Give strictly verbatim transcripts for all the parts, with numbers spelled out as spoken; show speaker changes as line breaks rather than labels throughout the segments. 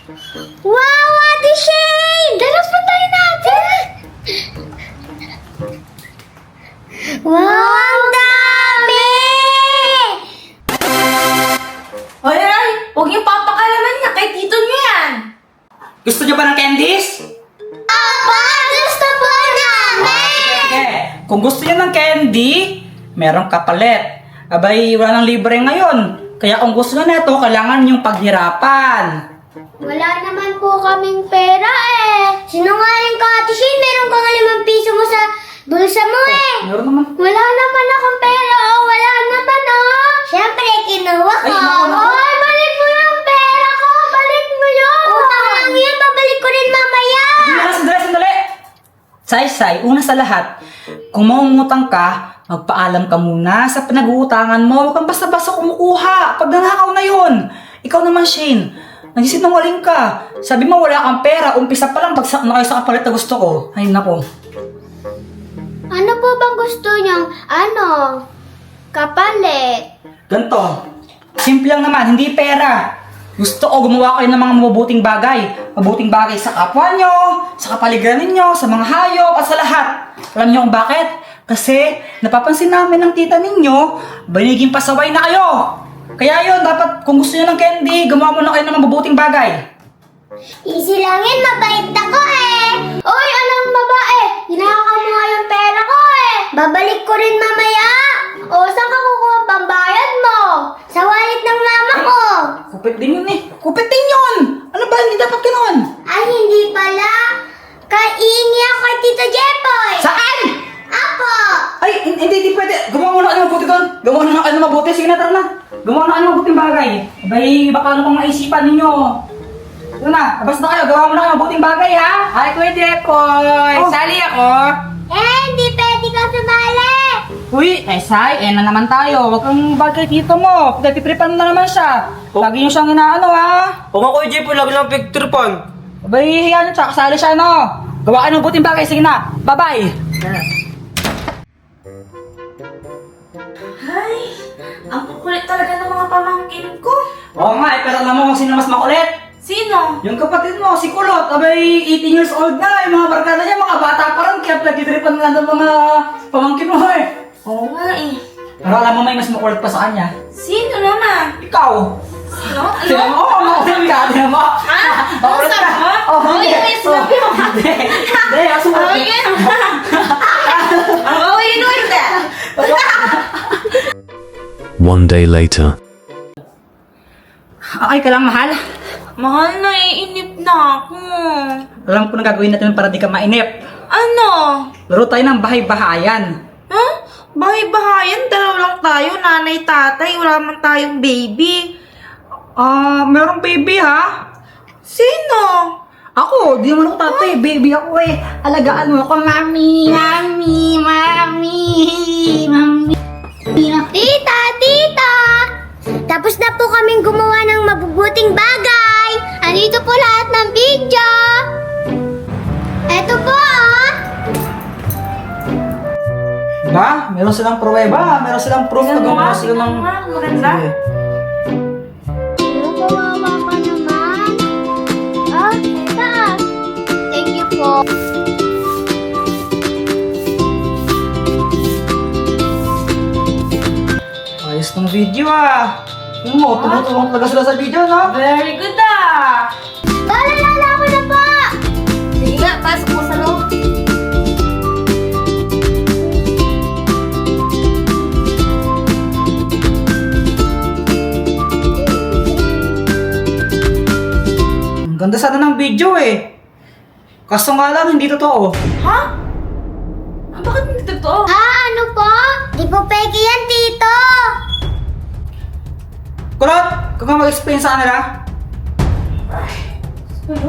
Wow, Ate Shane! Dalas pa tayo natin! Wow, ang dami!
Hoy, ay! Huwag niyong papakalaman niya kay tito niyo yan!
Gusto niyo ba ng candies?
Apa! Gusto po namin!
Okay. Kung gusto niyo ng candy, merong kapalit. Abay, wala nang libre ngayon. Kaya kung gusto niyo nito, kailangan niyong paghirapan.
Wala naman po kaming pera eh. Sinungaling ka, Ate Shane. Meron ka nga limang piso mo sa bulsa mo eh.
Meron naman.
Wala naman akong pera oh. Wala naman oh. Siyempre, kinuha ko.
Ay, naku, naku.
Hoy, balik mo yung pera ko. Balik mo yun. Utang lang yan. Babalik ko rin mamaya.
Sandali, sandali, sandali. Say-say, una sa lahat, kung mangungutang ka, magpaalam ka muna sa pinag-uutangan mo. Huwag kang basta-basta kumukuha. Pag nanakaw na yun. Ikaw naman, Shane. Nagsisinungaling ka. Sabi mo wala kang pera. Umpisa pa lang bagsak na kayo sa kapalit na gusto ko. Ay, nako.
Ano po bang gusto niyang, ano, kapalit?
Ganto. Simple lang naman, hindi pera. Gusto ko gumawa kayo ng mga mabubuting bagay. Mabuting bagay sa kapwa nyo, sa kapaligiran ninyo, sa mga hayop, at sa lahat. Alam niyo kung bakit? Kasi napapansin namin ng tita ninyo, baniging pasaway na kayo. Kaya yun, dapat kung gusto niyo ng candy, gumawa muna kayo ng mabubuting bagay.
Easy lang yan, mabait ako eh. Oy, anong babae? Hinahakal mo nga yung pera ko eh. Babalik ko rin mamaya. O, saan ka kukuha ang pambayad mo? Sa wallet ng mama ko.
Kupit din yun eh. Kupit din yun! Ano ba? Hindi dapat ganoon.
Ay, hindi pala. Kaiingi ako kay Tito Jepoy.
Saan?
Apo.
Ay, hin- hindi, hindi pwede. Gumawa muna kayo ng mabuti doon. Gumawa na kayo ng mabuti. Sige na, tara na. Gumawa na kayo ng mabuting bagay. Abay, baka ano pang maisipan ninyo. Ito na, labas na kayo. Gawa muna kayo ng mabuting bagay, ha?
Ay, Kuya Jepoy!
Oh.
Sali ako!
Eh, hindi pwede ka sumali.
Uy, eh, Sai, eh na naman tayo. Huwag kang bagay dito mo. Nagpipripan na naman siya. Lagi niyo siyang inaano, ha?
Huwag ako, Jeff. Lagi lang picture-pan.
Abay, yan, tsaka kasali siya, no? Gawa kayo ng mabuting bagay. Sige na. Bye-bye.
Ay, ang kukulit talaga ng mga pamangkin ko.
Oo nga, eh, pero alam mo kung sino mas makulit?
Sino?
Yung kapatid mo, si Kulot, abay, eighteen years old na, yung mga barkada niya, mga bata pa rin, kaya nagtitripan nga ng mga pamangkin mo eh.
Oo nga eh.
Pero alam mo may mas makulit pa sa kanya.
Sino naman?
Ikaw!
Sino? Ano?
Sino mo? Oh, makulit ka, di mo?
Ha?
Makulit
Ano
ka.
sabi mo?
Oh,
Oh,
hindi.
yun yung sinabi mo.
Hindi. Hindi, ako
Oh,
sumabi.
yun. Oh, yun yun ka.
One day later.
Okay ka lang, mahal.
Mahal, naiinip na ako.
Alam ko na gagawin natin para di ka mainip.
Ano?
Laro tayo ng bahay-bahayan.
Huh? Bahay-bahayan, dalaw lang tayo, nanay, tatay, wala man tayong baby.
Ah, merong baby ha?
Sino?
Ako, di naman ako tatay, baby ako eh. Alagaan mo ako, mami, mami, mami, mami.
Tita, tita! Tapos na po kaming gumawa ng mabubuting bagay. Andito po lahat ng video. Eto po ah.
Ba? Meron silang pruweba, meron silang proof na gumawa sila ng...
Maganda.
Sige.
Ano, kawawa ka naman. Ah, tita. Thank you po.
Ayos ng video ah. Yung mo, tumutulong talaga sila sa video, no?
Very good ah!
Lalala ko na po.
Sige nga, pasok mo sa loob.
Ang ganda sana ng video eh. Kaso nga lang, hindi totoo.
Ha? Ah, bakit hindi totoo?
Ah, ano po? Di po peke yan, tito.
Kulot, kung ka mag-explain sa kanila.
Ano?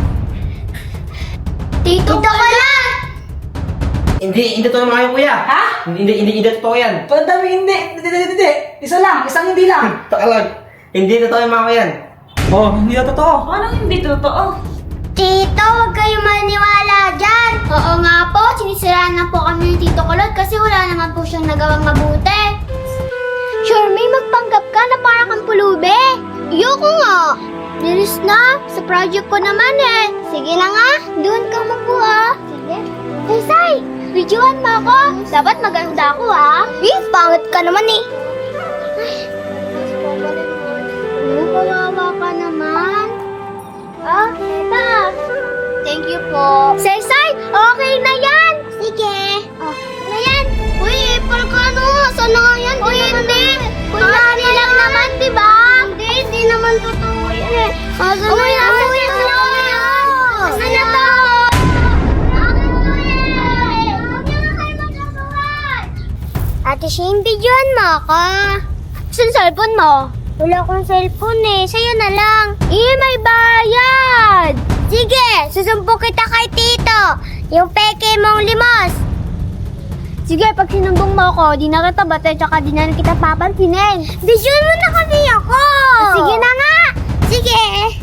Tito ko lang.
Hindi, hindi to naman kayo, kuya.
Ha?
Hindi, hindi, hindi, hindi totoo yan.
Pandami, hindi. Hindi, hindi, hindi. Isa lang, isang hindi lang.
Taka lang. Hindi totoo yung mga yan.
Oh, hindi na totoo.
Anong hindi totoo?
Tito, huwag kayong maniwala dyan. Oo nga po, sinisiraan na po kami ni Tito Kulot kasi wala naman po siyang nagawang mabuti. Sure, may magpanggap ka na para kang pulube. Ayoko nga. Bilis na. Sa project ko naman eh. Sige na nga. Doon ka makuha. Sige. Hey, Sai! Videoan mo ako. Dapat maganda ako ah. Eh, pangit ka naman eh. Ay, oh, kawawa ka naman. Ah, teta. Thank you po. Sai, Sai! Okay na yan! Sige. Oh, na yan. Uy, April ka no. Saan na nga yan? Uy, hindi. Kunyari lang naman, di ba? Hindi, hindi naman totoo yan eh. Asan na yan? Asan na yan? Asan na to? Akin to eh. Huwag niyo na kayo magkasuhan. Ate Shane, videoan mo ako. Saan cellphone mo? Wala akong cellphone eh. Sa'yo na lang. Eh, may bayad. Sige, susumpo kita kay Tito. Yung peke mong limos. Sige, pag sinumbong mo ako, di na kita bate, tsaka di na kita papansinin. Videoan mo na kasi ako. Sige na nga. Sige.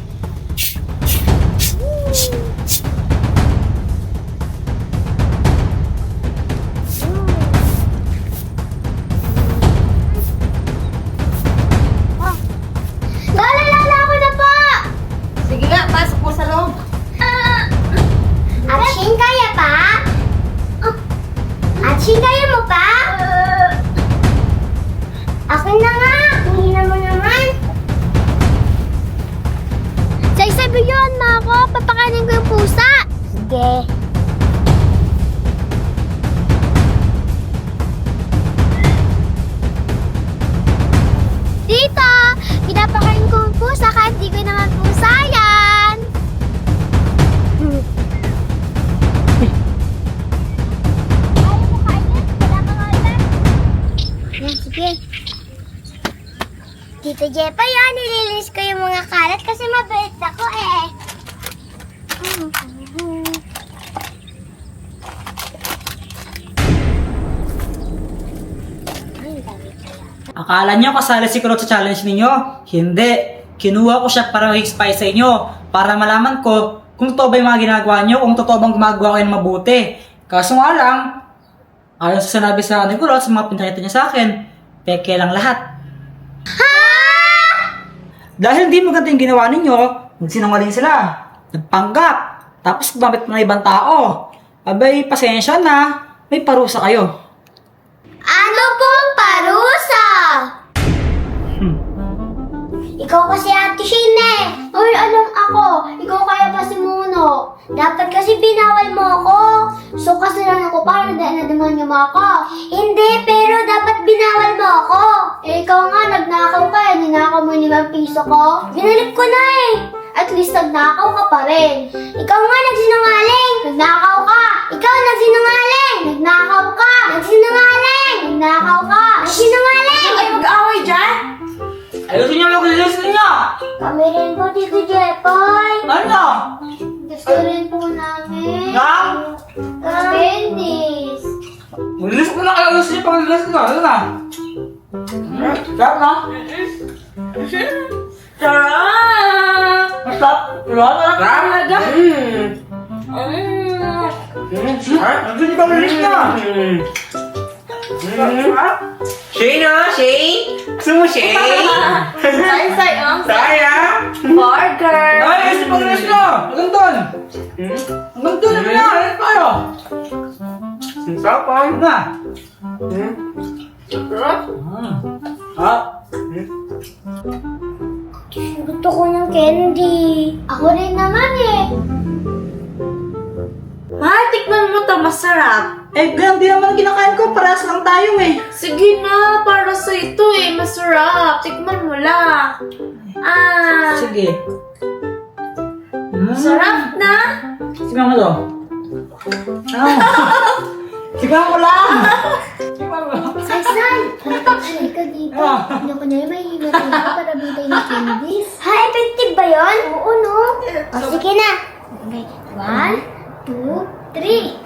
Lalala ako na po.
Sige nga, pasok mo sa loob.
Action, kaya pa? Oh. Action, kaya mo pa? Akin na nga. Hihina mo naman. Say-sabi yun, ma ako. Papakanin ko yung pusa. Sige. Tita, pinapakain ko yung pusa kahit di ko naman pusa yan. Hmm. Ayaw mo kainin? Wala kang order? Yan, sige. Tito Jepa yan, nililinis ko yung mga kalat kasi mabait ako eh. Ay, dami pala.
Akala nyo kasali si Kulot sa challenge ninyo? Hindi. Kinuha ko siya para mag-spy sa inyo. Para malaman ko kung totoo ba yung mga ginagawa nyo, kung totoo bang gumagawa kayo ng mabuti. Kaso nga lang, ayon sa sinabi sa ni Kulot, sa mga pinakita niya sa akin, peke lang lahat. Dahil hindi maganda yung ginawa ninyo, nagsinungaling sila. Nagpanggap. Tapos gumamit ng ibang tao. Abay, pasensya na. May parusa kayo.
Ano pong parusa?
Hmm.
Ikaw kasi Ate Shane eh. Uy, alam ako. Ikaw kaya pa si Muno. Dapat kasi binawal mo ako. So kasalanan ko para dahil nademonyo mo ako. Hindi, pero dapat binawal mo ako. Eh, ikaw nga, nagnakaw ka eh. Ninakaw mo yung limang piso ko. Binalik ko na eh. At least nagnakaw ka pa rin. Ikaw nga nagsinungaling. Nagnakaw ka. Ikaw nagsinungaling. Nagnakaw ka. Nagsinungaling. Nagnakaw ka. Nagsinungaling.
Ay, mag-aaway dyan?
Ayusin nyo yung lilis ninyo!
Kami rin po, Tito Jepoy.
Ano?
Gusto rin po namin.
Na?
Candies.
Lilis ko na kayo. Ayusin nyo pang lilis nyo. Ano na? Sarap na?
Sarap!
Masarap? Sarap? Sarap?
Talaga?
Mm.
Mm.
Ayusin nyo pang lilis nyo. Sarap?
Shane ah, Shane! Gusto mo Shane?
Say-say ang
Saya!
burger!
Ay, ayusin pang lilis nyo. Hanggang doon.
Hmm?
Hanggang doon. Ano na? Ayun kayo.
Ang sarap ah.
Ayun na.
Hmm?
Sarap!
Hmm. Ah.
Gusto ko ng candy. Ako rin naman eh.
Ma, tikman mo to, masarap.
Eh, ganun din naman kinakain ko. Parehas lang tayo eh.
Sige na, para sa ito eh, masarap. Tikman mo lang. Ah,
Sige. Mm.
sarap na.
Sige mo to. Ah. Sige mo lang. Sige mo lang.
Say-say. Halika ka dito.
Ah.
Ano ko na yung may himatay ko para bitay ng candies. Ha, effective ba yun? Oo, no? O, sige na. Okay. One, two, three.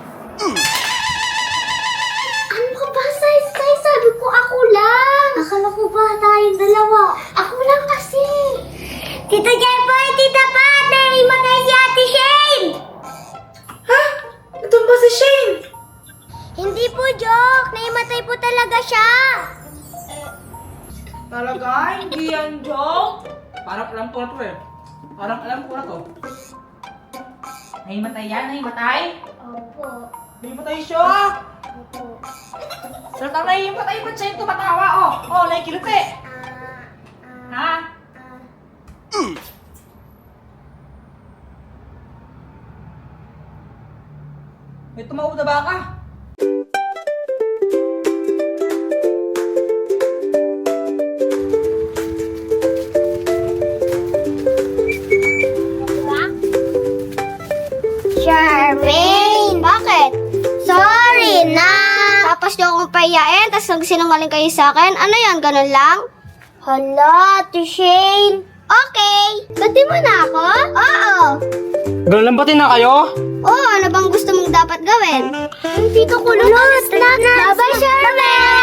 Ano ka ba, Say-say? Sabi ko ako lang. Akala ko ba tayong dalawa? Ako lang kasi. Tito Jepoy, Tita Pat, naimatay si Ate Shane.
Ha? Ito ba si Shane?
Hindi po joke. Naimatay po talaga siya.
Talaga? Hindi yan joke?
Parang lang po ito eh. Alam ko na to. Nahimatay yan, nahimatay.
Opo.
Nahimatay siya.
Opo.
Salatang nahimatay, ba't siya yung tumatawa? Oh, oh, nakikilupi.
Ah, ah,
Ha?
ah.
May tumawag na baka.
Charmaine! Bakit? Sorry na! Tapos niyo akong payain, tapos nagsinungaling kayo sa akin. Ano yan, ganun lang? Hala, Ate Shane. Okay. Bati mo na ako? Oo.
Ganun lang batin na kayo?
Oo, ano bang gusto mong dapat gawin? Ang tito ko lunod na. Bye-bye, Charmaine!